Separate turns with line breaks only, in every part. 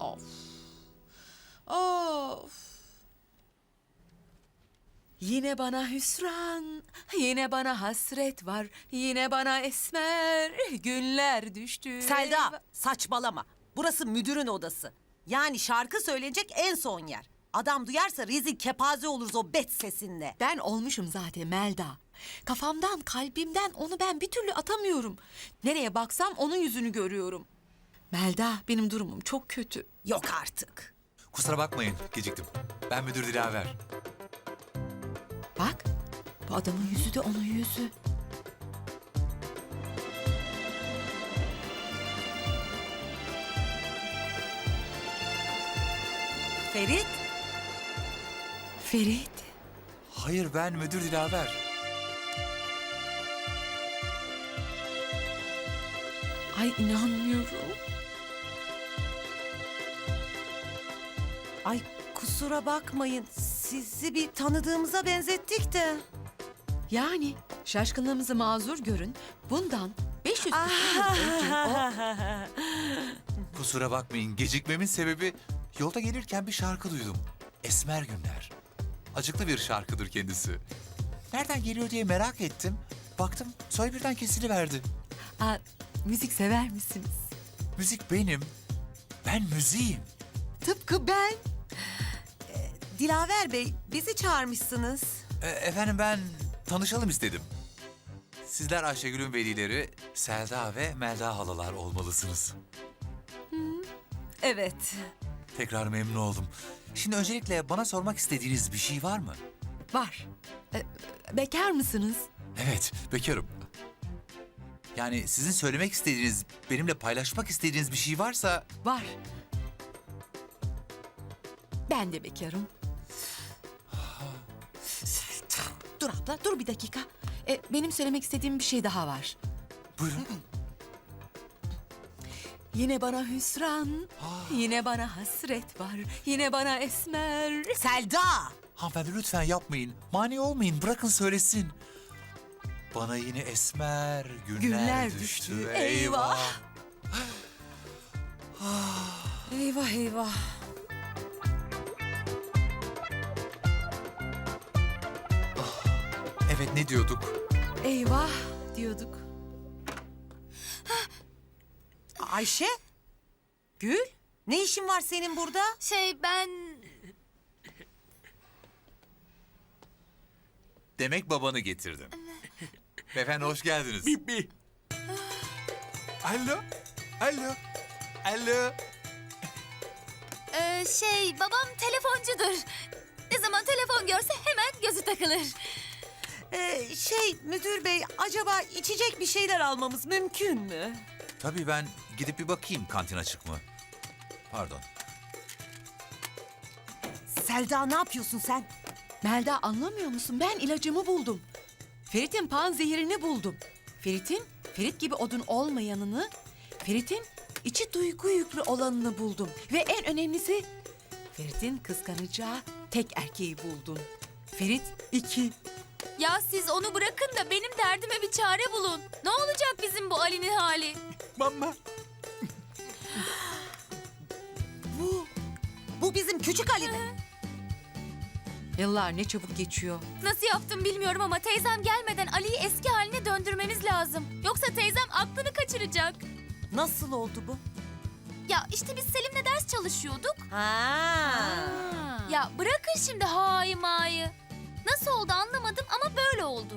Of. Of. Yine bana hüsran, yine bana hasret var, yine bana esmer günler düştü.
Selda, saçmalama. Burası müdürün odası. Yani şarkı söylenecek en son yer. Adam duyarsa rezil kepaze oluruz o bet sesinle.
Ben olmuşum zaten Melda. Kafamdan, kalbimden onu ben bir türlü atamıyorum. Nereye baksam onun yüzünü görüyorum. Melda, benim durumum çok kötü.
Yok artık.
Kusura bakmayın, geciktim. Ben müdür Dilaver.
Bak, bu adamın yüzü de onun yüzü.
Ferit,
Ferit.
Hayır, ben müdür Dilaver.
Ay inanmıyorum.
ay kusura bakmayın. Sizi bir tanıdığımıza benzettik de.
Yani şaşkınlığımızı mazur görün. Bundan 500 yıl önce o...
Kusura bakmayın, gecikmemin sebebi yolda gelirken bir şarkı duydum. Esmer Günler. Acıklı bir şarkıdır kendisi. Nereden geliyor diye merak ettim. Baktım, soy birden kesiliverdi.
Aa, müzik sever misiniz?
Müzik benim. Ben müziğim.
Tıpkı ben.
Dilaver Bey, bizi çağırmışsınız.
Efendim ben tanışalım istedim. Sizler Ayşegül'ün velileri Selda ve Melda halalar olmalısınız.
Evet.
Tekrar memnun oldum. Şimdi öncelikle bana sormak istediğiniz bir şey var mı?
Var. Bekar mısınız?
Evet, bekarım. Yani sizin söylemek istediğiniz, benimle paylaşmak istediğiniz bir şey varsa...
Var. Ben de bekarım. Dur abla, dur bir dakika. Benim söylemek istediğim bir şey daha var.
Buyurun.
Yine bana hüsran, yine bana hasret var, yine bana esmer.
Selda!
Hanımefendi lütfen yapmayın. Mani olmayın, bırakın söylesin. Bana yine esmer günler düştü.
Eyvah. Eyvah eyvah.
Evet, ne diyorduk?
Eyvah diyorduk.
Ayşe? Gül? Ne işin var senin burada?
Ben...
Demek babanı getirdin. Beyefendi hoş geldiniz.
Bi. Alo. Alo. Alo.
babam telefoncudur. Ne zaman telefon görse hemen gözü takılır.
Müdür bey, acaba içecek bir şeyler almamız mümkün mü?
Tabii ben gidip bir bakayım kantin açık mı? Pardon.
Selda, ne yapıyorsun sen?
Melda anlamıyor musun? Ben ilacımı buldum. Ferit'in panzehirini buldum. Ferit gibi odun olmayanını, Ferit'in içi duygu yüklü olanını buldum. Ve en önemlisi, Ferit'in kıskanacağı tek erkeği buldum. Ferit 2.
Ya siz onu bırakın da benim derdime bir çare bulun. Ne olacak bizim bu Ali'nin hali?
Mama.
Bu bizim küçük Ali mi?
Yıllar ne çabuk geçiyor.
Nasıl yaptım bilmiyorum ama teyzem gelmeden Ali'yi eski haline döndürmemiz lazım. Yoksa teyzem aklını kaçıracak.
Nasıl oldu bu?
Ya işte biz Selim'le ders çalışıyorduk.
Ha.
Ya bırakın şimdi hayı mayı. Nasıl oldu anlamadım ama böyle oldu.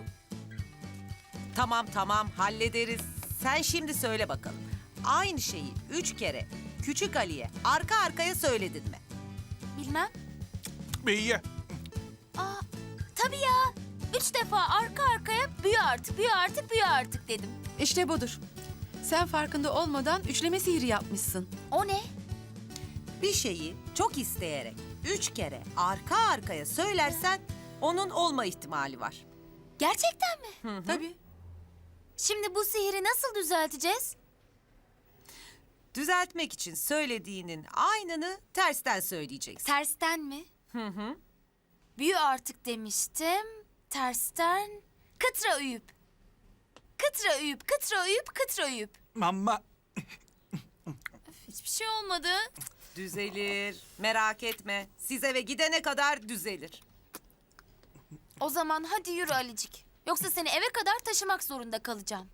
Tamam, hallederiz. Sen şimdi söyle bakalım. Aynı şeyi 3 kere küçük Ali'ye arka arkaya söyledin mi?
Bilmem.
Beyye.
Aa, tabii ya. 3 defa arka arkaya büyü artık dedim.
İşte budur. Sen farkında olmadan üçleme sihri yapmışsın.
O ne?
Bir şeyi çok isteyerek 3 kere arka arkaya söylersen onun olma ihtimali var.
Gerçekten mi?
Tabii.
Şimdi bu sihiri nasıl düzelteceğiz?
Düzeltmek için söylediğinin aynını tersten söyleyeceksin.
Tersten mi? Büyü artık demiştim. Tersten kıtra uyup. Kıtra uyup, kıtra uyup, kıtra uyup.
Mama.
Hiçbir şey olmadı.
Düzelir. Merak etme. Siz eve gidene kadar düzelir.
O zaman hadi yürü Alicik. Yoksa seni eve kadar taşımak zorunda kalacağım.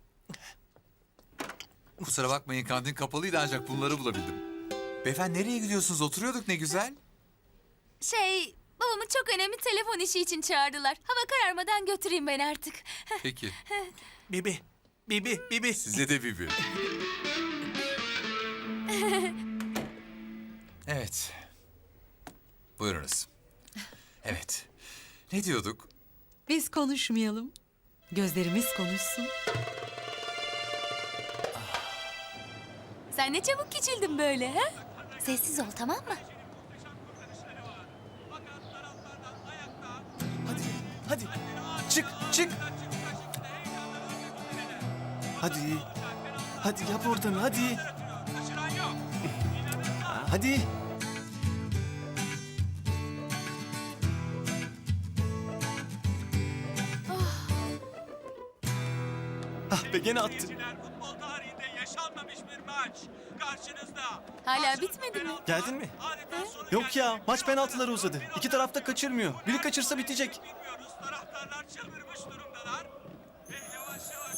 Kusura bakmayın kantin kapalıydı ancak bunları bulabildim. Beyefendi nereye gidiyorsunuz? Oturuyorduk ne güzel.
Babamı çok önemli telefon işi için çağırdılar. Hava kararmadan götüreyim ben artık.
Peki.
Bibi. Bibi. Bibi.
Size de Bibi. Evet. Buyurunuz. Evet. Ne diyorduk?
Biz konuşmayalım. Gözlerimiz konuşsun.
Sen ne çabuk küçüldün böyle ha? Sessiz ol tamam mı?
Hadi, hadi. Çık, çık. Hadi. Hadi yap oradan, hadi. Hadi. Ah be gene attın.
Futbol tarihinde yaşanmamış bir maç. Karşınızda.
Hala bitmedi mi?
Geldin mi?
Adeta sonu
Yok ya, maç penaltıları uzadı. İki taraf da kaçırmıyor. Biri kaçırsa bitecek.
bilmiyoruz. Taraftarlar çıldırmış durumdalar. Ve yavaş yavaş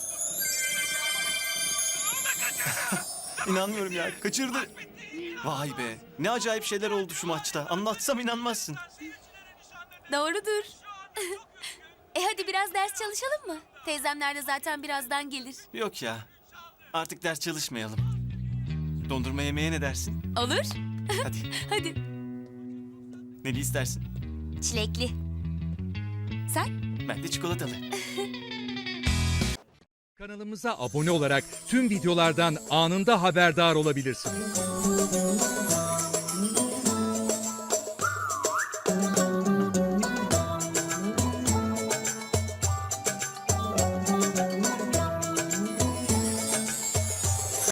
İnanmıyorum ya, kaçırdı. Vay be, ne acayip şeyler oldu şu maçta. Anlatsam inanmazsın.
Doğrudur. Hadi biraz ders çalışalım mı? Teyzemler de zaten birazdan gelir.
Yok ya, artık ders çalışmayalım. Dondurma yemeye ne dersin?
Olur.
Hadi,
Hadi.
neli istersin?
Çilekli. Sen?
Ben de çikolatalı.
Kanalımıza abone olarak tüm videolardan anında haberdar olabilirsiniz.